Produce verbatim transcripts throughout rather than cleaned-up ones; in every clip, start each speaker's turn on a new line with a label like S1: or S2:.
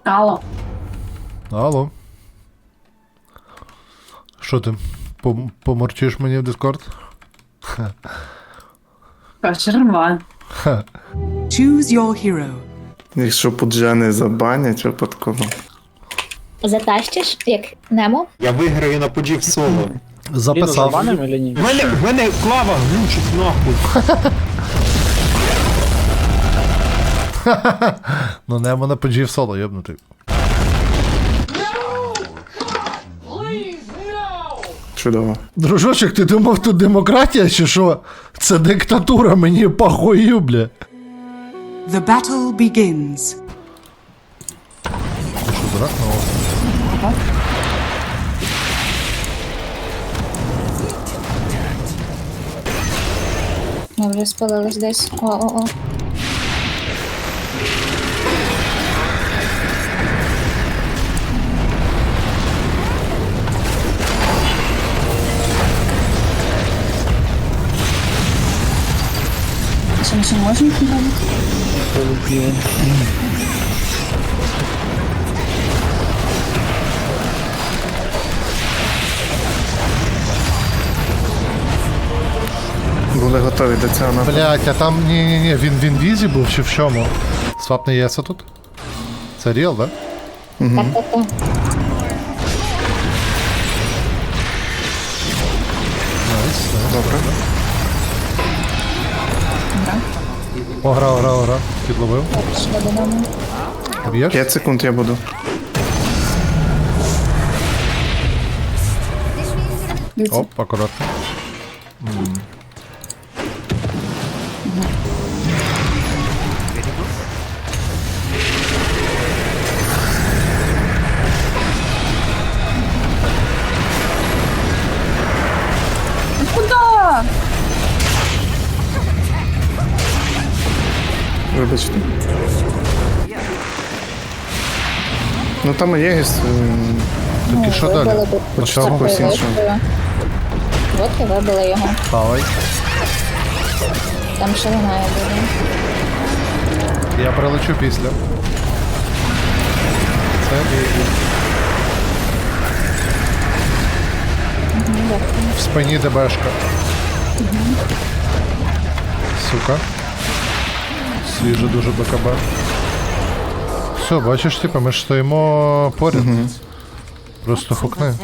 S1: Алло.
S2: Алло. Що ти? Пом- Поморчиш мені в Discord?
S1: Кочерва.
S3: Choose your hero.
S4: Якщо пуджани забанять випадково.
S5: Затащиш, як Немо?
S6: Я виграю на пуджі в соло.
S2: Записав.
S6: В мене, в мене клава глючить нахуй.
S2: Ну немо на педжі в соло, йобнутий.
S4: Чудово.
S2: Дружочок, ти думав, тут демократія чи що? Це диктатура, мені похую, бля.
S3: The battle begins.
S2: Ти що, дурак? Ну,
S5: Ми вже спалились десь. О-о-о.
S1: Що ми ще не можемо підняти?
S4: Були готові до цього нападу.
S2: блять, а там, ні-ні-ні, він в інвізі був чи в чому? Свап не єса тут? Це ріл, да?
S5: Так, так, так.
S2: Найс, найс.
S4: Добре.
S2: О, гра, гра, гра. Підловив.
S5: Пішли додому.
S2: Б'єш?
S4: п'ять секунд я буду.
S2: Оп, акуратно.
S1: Куда?
S4: Вибачте. Ну там і Єгіс.
S2: Так і що далі?
S5: Вибили б-
S2: Почав
S4: Чого
S5: Такою
S4: іншого?
S5: водкою. Водки вибили його.
S2: Хавай.
S5: Там ще немає буде.
S2: Я прилечу після. Це і... В спині ДБшка. Сука. Свіже дуже БКБ. Все, бачиш, типу, ми ж стоїмо поряд. Просто хукни.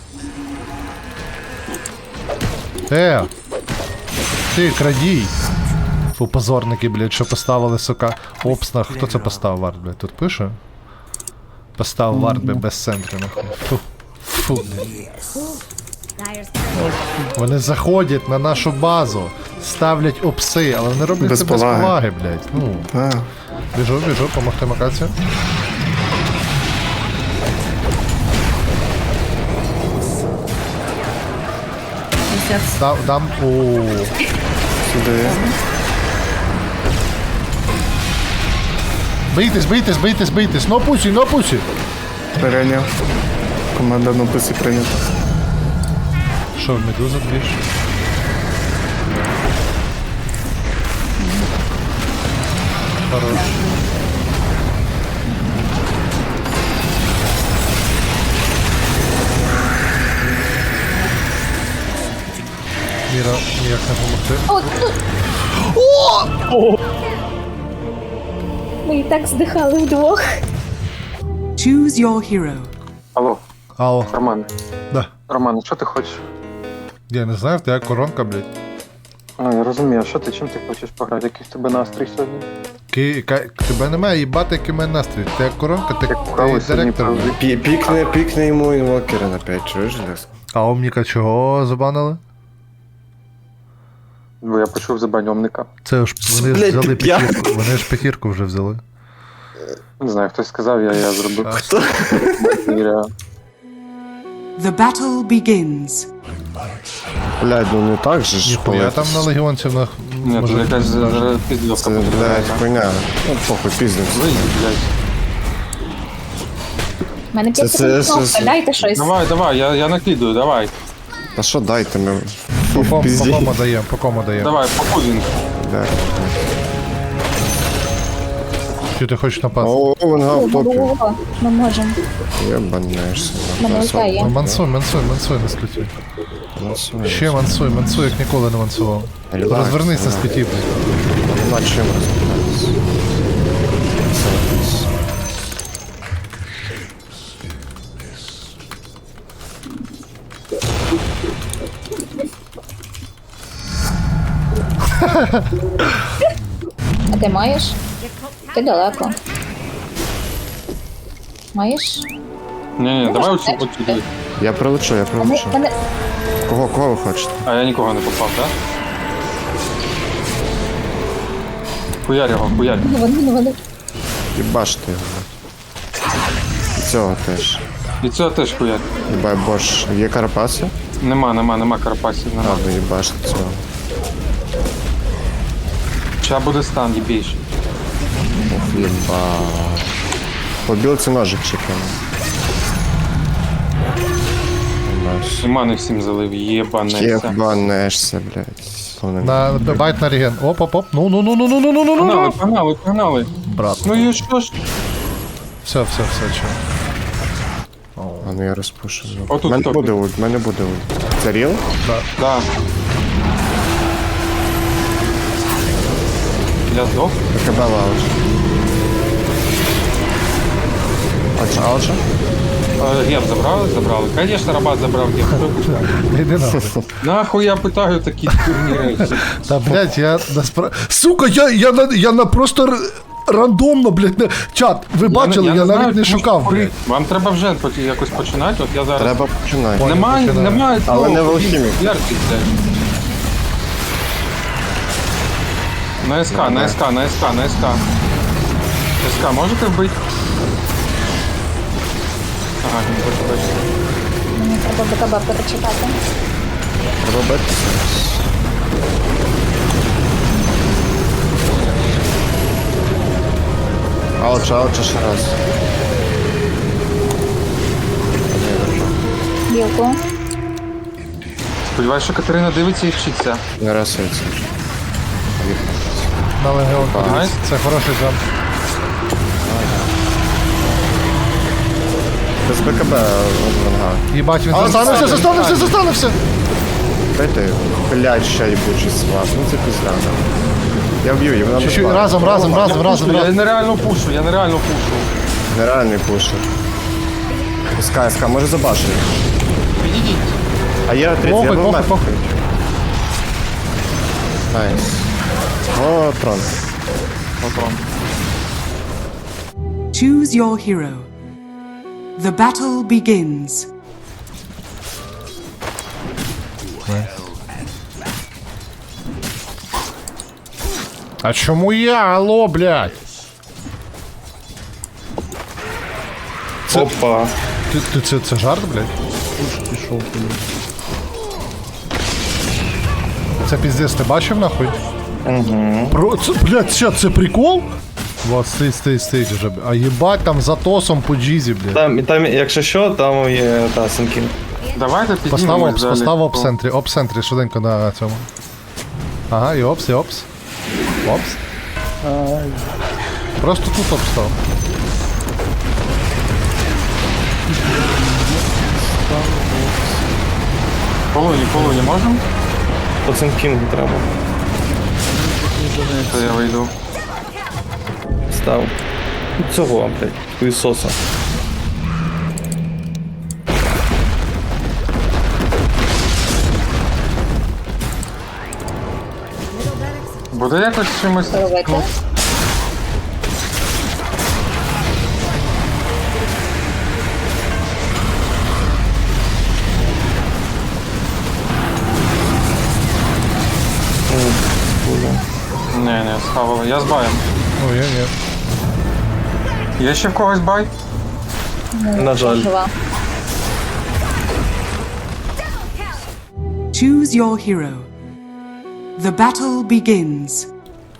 S2: Е! Ти, крадій! Фу, позорники, блядь, що поставили, сука, обсна. Хто це поставив вард, блядь? Тут пише? Поставив вард, блядь, без центру, нахуй. Фу. Фу, блядь. Вони заходять на нашу базу, ставлять опси, але вони роблять
S4: Без
S2: це без
S4: поваги.
S2: поваги, блядь. Ну,
S4: А,
S2: біжу, біжу, помогти макацію. Дам, дам, оoo.
S4: сюди.
S2: Бийтесь, бийтесь, бийтесь, бийтесь. Но пусі, но пусі.
S4: Перейняв. Команда на писі прийнята.
S2: Що, в медуза двіж? Хорош. Міра, ніяк не помогти.
S5: О, тут! Ми і так здихали вдвох.
S3: Choose your hero.
S7: Алло,
S2: Алло,
S7: Роман.
S2: да.
S7: Роман, що ти хочеш?
S2: Я не знаю, в тебе коронка, блядь.
S7: А, я розумію, а що ти, чим ти хочеш пограти? Який в тебе настрій сьогодні?
S2: Ки, ка, тебе немає їбати, який у мене настрій. Ти коронка, ти,
S7: Як правий
S2: ти
S7: сьогодні
S2: директор.
S7: правий.
S2: блядь.
S8: Пі- Пікне, пікне йому інвокера на п'ять, чуєш, Ляс?
S2: А Омніка чого забанили?
S7: Бо я почув забаньомника.
S2: Це ж вони ж
S8: Блядь,
S2: взяли
S8: ти п'яний.
S2: п'ятірку. Вони ж п'ятірку вже взяли.
S7: Не знаю, хтось сказав, я, я зробив.
S2: Хто?
S7: Міря.
S3: The battle begins.
S8: Блядь, ну не так же ж.
S2: Ніхуя
S8: коли
S2: там
S8: це-
S2: на легіонців на...
S7: Ні, тут
S2: може,
S7: якась
S2: даже-
S7: зараз піздівка
S8: Це, блядь,
S7: потрібна.
S8: хуйня. Ну, похуй, піздець.
S7: Вийди, блядь.
S5: У мене
S8: Це-
S5: п'ять
S8: це-
S5: секунд
S8: це-
S5: кнопка,
S8: це-
S5: дайте щось.
S7: Давай, давай, я, я накидую, давай.
S8: Та що дайте ми?
S2: По кому, по
S8: Пізді.
S2: кому даємо, по кому даємо.
S7: Давай, по пудингу.
S8: Да.
S2: Чи ти хочеш напасти?
S8: О, вона в топі.
S5: О, ми можемо.
S8: Єбанешся.
S5: Мене лутає.
S2: Ну, мансуй, мансуй, мансуй на сліті. Ще мансуй, мансуй, як ніколи не мансував.
S8: Альбакс,
S2: Розвернись на
S8: да.
S2: сліті, блядь.
S8: Нема чим розбиратися.
S5: А ти маєш? Ти далеко. Маєш?
S7: Ні, ні, давай оцю,
S5: Можеш
S7: оцю дивись.
S8: Я прилечу, я
S5: Мене,
S8: прилечу.
S5: мене...
S8: Кого, кого ви хочете?
S7: А я нікого не попав, так? Хуярь його, хуярь.
S5: Вони, вони.
S8: Їбаште його. І цього теж.
S7: І цього теж хуярь.
S8: Їбай борщ. Є карпаси?
S7: Нема, нема, нема карпасів, нема.
S8: Ладно, їбаште цього.
S7: Ща буде стан, їбейший.
S8: Ох, єба. По білці ножик чекаємо.
S7: І мани всім залив, єбанеться.
S8: Єбанешся, блядь. Повне-
S2: На байт на реген. Оп, оп, оп. Ну, ну, ну, ну, ну, ну, ну, ну, ну,
S7: Погнали,
S2: ну.
S7: погнали, погнали.
S2: Брат.
S7: Ну і що ж?
S2: Все, все, все, чого.
S8: А ну я розпушу.
S7: Отут
S8: Мене
S7: хто?
S8: буде ульт, мене буде ульт. Це ріл?
S7: Да. Я здох.
S8: КБ лаунж. Алча, алча?
S7: Е, Геп забрали? Забрали. Конечно, Рабат забрав геп.
S2: Не йди нахуй.
S7: Нахуй я питаю такі дурні речі.
S2: Та, блядь, я насправді... Сука, я, я, на, я на просто р... рандомно, блядь, не... Чат, ви бачили, я,
S7: не знаю,
S2: навіть не
S7: чому
S2: шукав,
S7: курить.
S2: блядь.
S7: Вам треба вже поч- якось починати, от я зараз...
S8: Треба починати.
S7: Немає,
S2: починаю.
S7: немає
S8: Але
S7: того,
S8: не в
S7: куди
S8: алхімік.
S7: ярки, блядь. На СК, на СК, на СК, на СК. СК можете вбити? Ага, не хочу бачити.
S5: Мені треба БКБ перечитати.
S8: Треба битися. Алча, алча ще раз.
S5: Білку.
S7: Сподіваюсь, що Катерина дивиться і вчиться.
S8: Не расується.
S2: На легіон подивись.
S7: Найс.
S2: Це хороший джамп.
S8: Без БКБ ванга.
S2: Їбать, він
S8: А,
S2: застанався,
S8: це-
S2: застанався, застанався!
S8: Дайте його. Блядь, ще єбучий сват. Ну це пізда. Я вб'ю, її, вона
S2: Чуть-чуть,
S8: не
S2: разом, разом, разом, разом,
S7: Я
S2: разом.
S7: нереально пушу, я нереально пушу.
S8: Нереальний пушер. СК, СК, може забашити.
S7: Підійдіть.
S8: А є тридцять, я
S2: Похуй,
S8: був
S2: похуй,
S8: мертвий.
S2: похуй.
S8: Найс. О, трон.
S7: Патрон.
S3: Choose your hero. The battle begins.
S2: А чому я? Алло, блядь?
S4: Опа.
S2: Ти, ти це, це жарт, блядь?
S4: Пішов.
S2: Це піздець, ти бачив нахуй? Угу. Про, це, блядь, що, це прикол? Вот, стій, стій, стій вже. А їбать там за тосом по джізі, блядь.
S9: Там, там, якщо що, там є та Сенкін.
S7: Давайте піднімемось
S2: Постав опс,
S7: далі.
S2: постав опс центрі, опс центрі, швиденько на цьому. Ага, і опс, і опс. Опс. Просто тут опс став.
S7: Полуні, полуні можемо?
S9: По Сенкінгу треба.
S7: То я вийду.
S9: Став. Цього, блядь, хуїсоса.
S7: Буде якось чимось...
S5: Робити.
S7: Ні, ні, схавали. Я з баєм.
S2: Ну, я ні.
S7: Є ще в когось бай?
S9: На жаль.
S5: Жива.
S3: Choose your hero. The battle begins.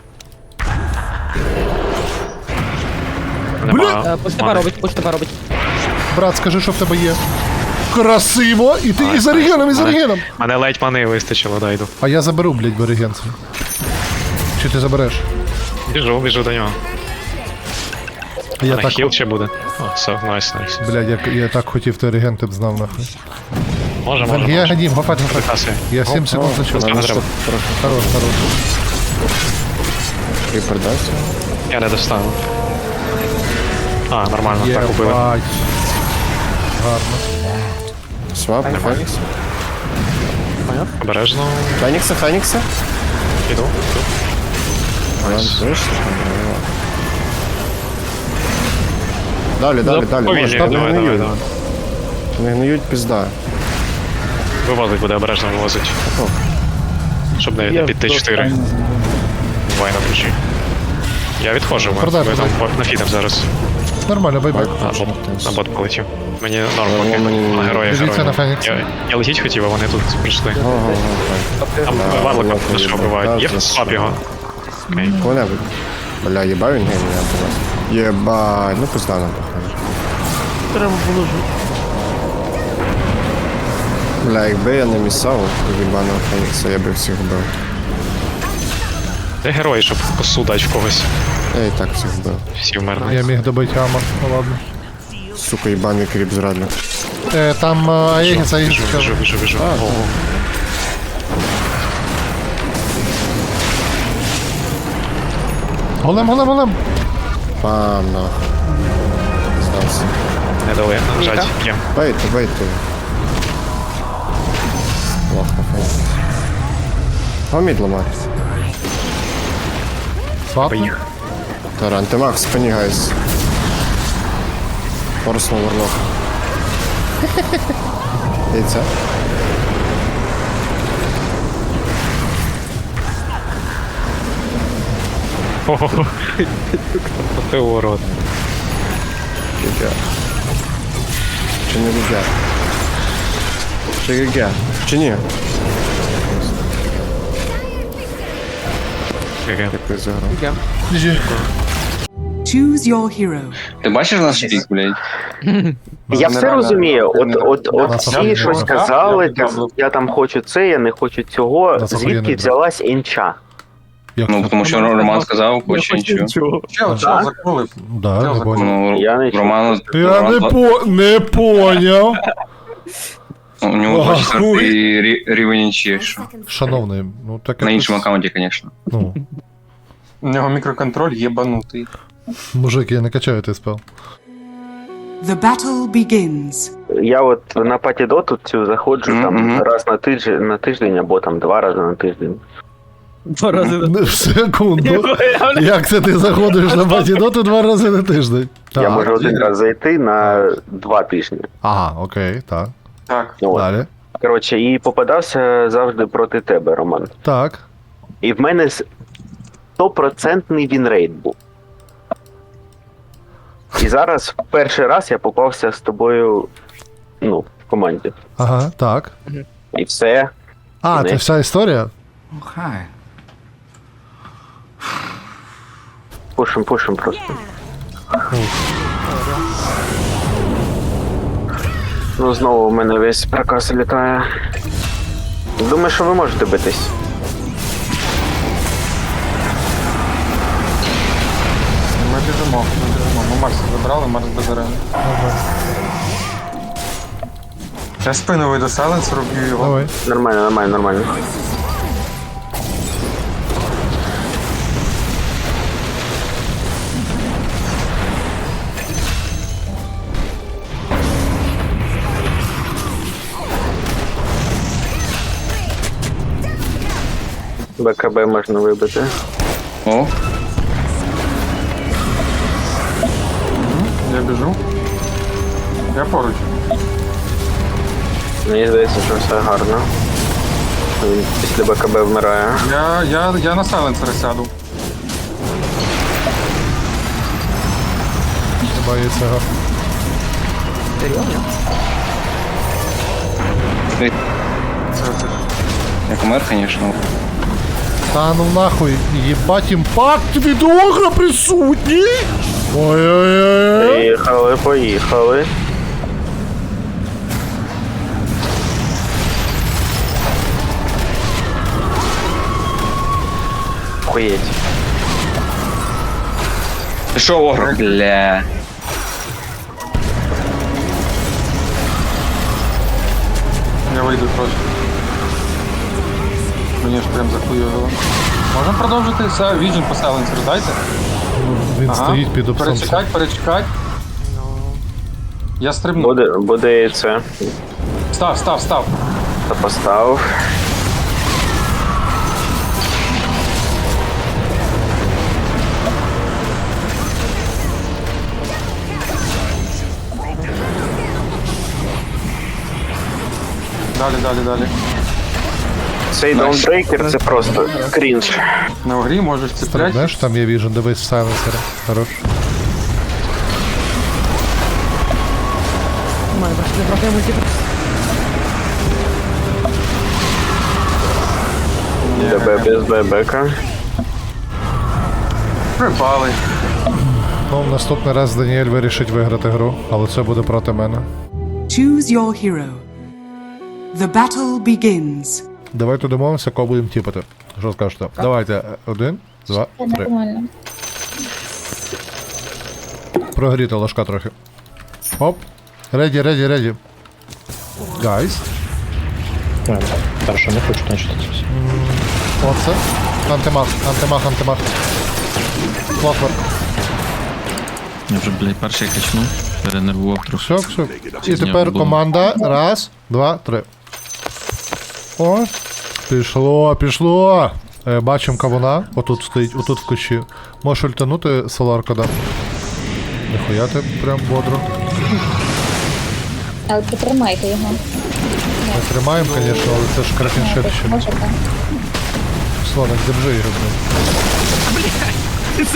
S2: Бля!
S10: Пусть тебе робить, пусть тебе робить.
S2: Брат, скажи, що в тебе є. Красиво! І ти і за регеном, і за регеном!
S6: Мене ледь мани вистачило, дай йду.
S2: А я заберу, блядь, берегенцю. Чи ти забереш?
S6: Біжу, біжу до нього.
S2: Я
S10: На
S2: так,
S10: хіл ще буде. О, все, найс, найс.
S2: блядь, я, я так хотів, ти регенти б знав нахуй.
S10: Може, може,
S2: Венгія
S10: може.
S2: ганім, гофать, гофать.
S10: Касує.
S2: Я сім секунд зачув.
S10: Не треба.
S2: Хорош, хорош.
S8: Кріпер дасть.
S10: Я не достану. А, нормально, так убили.
S2: Єбать. Гарно.
S8: Свап, Фенікс.
S10: Обережно.
S8: Фенікса, Фенікса.
S10: Іду.
S8: Найс. Далі, далі, далі.
S10: Повільно,
S8: Може, там не
S10: давай, давай,
S8: гниють.
S10: давай.
S8: Не гниють, пізда.
S10: Вивозить буде, обережно вивозить. Щоб не, не піти чотири. Давай на ключі. Я відходжу, ми
S2: Продай,
S10: ми там
S2: продай.
S10: по- нафідем зараз.
S2: Нормально, бай-бай.
S10: А, бот, на бот полетів. Мені норм
S8: Ні,
S10: поки.
S8: мені-
S10: На героя,
S2: Дивіться
S10: героя.
S2: на Фенікса.
S10: Я, я летіть хотів, а вони тут прийшли.
S8: Ого,
S10: Там варлика
S8: ладно,
S10: на що
S8: ладно.
S10: вбивають. Є
S8: Да,
S10: слаб його. Окей.
S8: Кого-небудь. Бля, єбав він гейм, я до вас. Єбай, ну пизда нам похоже.
S9: Треба було ж.
S8: Бля, якби я не місав єбаного Фенікса, я би всіх вбив.
S10: Де герої, щоб косу дати в когось.
S8: Я і так всіх вбив.
S10: Всі вмерли.
S2: Я міг добити Ама, ну ладно.
S8: Сука, єбаний кріп зрадник.
S2: Е, там е, Аегіс, Аегіс.
S10: Біжу, біжу, біжу, біжу.
S8: А,
S10: Ого.
S2: Голем, голем, голем.
S8: Пам, нахуй. Здався.
S10: Не дали нажать. Є.
S8: Бейте, бейте. Плохо, Фенікс. Гомід ламати.
S2: Свапни.
S10: Поїх.
S8: Таран, ти мах в спині, гайс. Форснув варлок. Яйця.
S10: Ого. Ти урод.
S8: Гігя. Чи не гігя? Чи гігя? Чи ні?
S10: Ге-ге.
S8: Дякую за гру.
S3: Choose your hero.
S7: Ти бачиш наш пік, блядь?
S11: Я все розумію. От, от, от
S2: Нас
S11: всі
S2: охуєнно
S11: щось
S2: багато.
S11: казали, там, я там хочу це, я не хочу цього.
S2: Нас охуєнно
S11: Звідки взялась інча?
S2: Як
S7: Ну,
S2: це?
S7: тому що Роман сказав, хоче нічого.
S6: Чел, чел, заколив.
S2: Да, не понял.
S7: Ну,
S11: Я не
S7: Роману...
S2: Я не по... не поняв.
S7: У нього
S2: Ага,
S7: двадцять четвертий рі- рівень інші, що.
S2: Шановний, ну так
S7: На
S2: якось-
S7: іншому аккаунті, звісно.
S2: Ну,
S6: У нього мікроконтроль єбанутий.
S2: мужик, я не качаю той спел.
S3: The battle begins.
S11: Я от на патідоту цю заходжу
S7: Мгм,
S11: там
S7: мгм.
S11: раз на тиждень, на тиждень або там два рази на тиждень.
S9: Два рази на
S2: Не, в секунду. Як це ти заходиш на батідоту два рази на тиждень?
S11: Я
S2: Так.
S11: можу один раз зайти на два тижні.
S2: Ага, окей, так.
S6: Так.
S11: От.
S2: Далі.
S11: Коротше, і попадався завжди проти тебе, Роман.
S2: Так.
S11: І в мене стопроцентний вінрейт був. І зараз в перший раз я попався з тобою, ну, в команді.
S2: Ага, так.
S11: І все.
S2: А,
S11: Не.
S2: це вся історія?
S11: Пушим, пушим просто. Ну, знову в мене весь проказ літає. Думаю, що ви можете битись.
S6: Ми біжимо, ми біжимо. Ми Марса забрали, Марс без арени. Я спину вийду сайленс, роблю його.
S2: Давай.
S11: Нормально, нормально, нормально. БКБ можна вибити.
S7: О,
S6: Я біжу. Я поруч.
S11: Мені здається, що все гарно. Він після БКБ вмирає.
S6: Я, я, я на сайленсер сяду.
S2: Боїться гарно.
S6: Це, це.
S7: як умер, звісно.
S2: Та ну нахуй, їбать імпакт від огра присутній! Ой-ой-ой!
S11: Поїхали, поїхали. Охуєть. Що, огр? Бля.
S7: Я вийду трошки. Мені ж прям захуйовило. Можемо продовжити? Все, Vision по Silencer дайте.
S2: Він
S7: Ага.
S2: стоїть під обсом.
S7: Перечекать, перечекать. Я стрибну.
S11: Буде, буде і це.
S7: Став, став, став.
S11: Та поставив.
S7: Далі, далі, далі.
S11: Цей даунбрейкер це просто крінж.
S7: На огрі можеш цепляти.
S2: Знаєш, там є віжен, дивись в сайленсера. Хорош.
S9: У мене просто не прокає мультиплікс.
S11: ДБ без ББК.
S7: Припали.
S2: Ну, наступний раз Даніель вирішить виграти гру, але це буде проти мене.
S3: Choose your hero. The battle begins.
S2: Давайте домовимося, кого будемо тіпати. Що скажете? Давайте. Один, два,
S5: Це
S2: три.
S5: нормально.
S2: Прогріти ложка трохи. Оп. Реді, реді, реді. Гайс.
S9: Хорошо, не хочу, значить.
S2: Оце. Антимах, антимах, антимах. Клоквер.
S9: Я вже, блядь, перший качнув. Перенервував трохи.
S2: Все, все. І тепер команда. Раз, два, три. О. Пішло, пішло. Е, бачимо кавуна. Отут стоїть, отут в кущі. Можеш ультанути соларка, да. Ніхуя ти прям бодро.
S5: Але притримайте його.
S2: Ми тримаємо, звісно, але це ж кракенширще.
S5: Можете.
S2: Слоник, держи його, блин.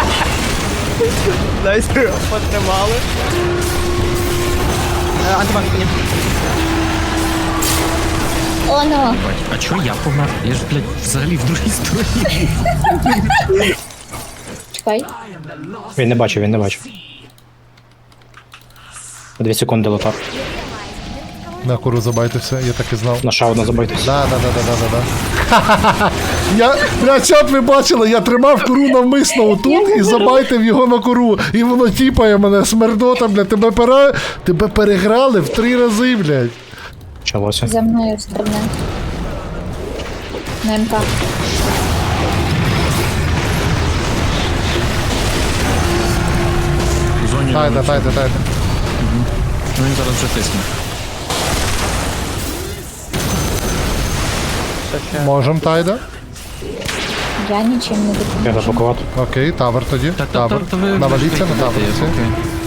S9: Дайте, потримали. Антимаг, ні.
S5: О, ну.
S9: А чого я помер? Я ж, блядь, взагалі в другій стороні.
S5: Чекай.
S9: Він не бачив, він не бачив. Дві секунди лотар.
S2: На куру забайтеся, я так і знав.
S9: На шаудна забайтесь.
S2: Да, да, да, да, да, да, да. Я, блядь, що б ви бачили, я тримав куру навмисно отут і забайтив його на куру. І воно тіпає мене, смердота, блядь, тебе пера... тебе переграли в три рази, блядь.
S9: Почалося.
S5: За мною стрибне. На МК.
S2: Тайда, тайда, тайда.
S9: Ну він зараз вже тисне.
S2: Можем тайда.
S5: Я нічим не допоможу.
S9: Я заблокувати.
S2: Окей, тавер тоді. Тавер.
S9: то ви-
S2: Наваліться на
S9: ви-
S2: тавер.
S9: ви-
S2: всі.
S9: окей.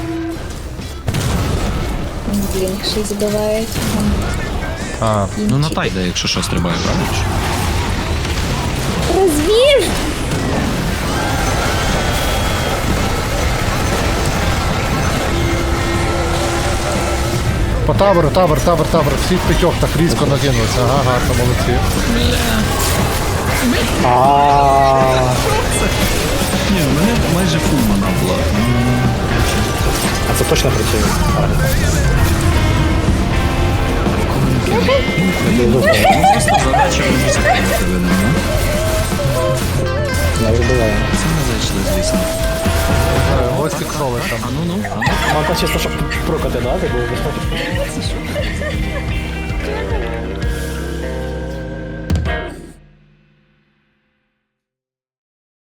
S5: Блінк ще й забивають.
S2: А,
S9: Ну на тайда, якщо що, стрибає, правильно?
S5: Розвів!
S2: по таверу, тавер, тавер, тавер. Всі в п'ятьох так різко накинулися. Ага, гарно, молодці.
S9: Ні, у мене майже фул мана була. А це точно працює? Просто задача мені закинути видно, ну? Не вибиває. Це не зайшли, звісно.
S2: Ось тіксоли там.
S9: А ну ну, а ну. Мата чисто, щоб прокати, да? Ти був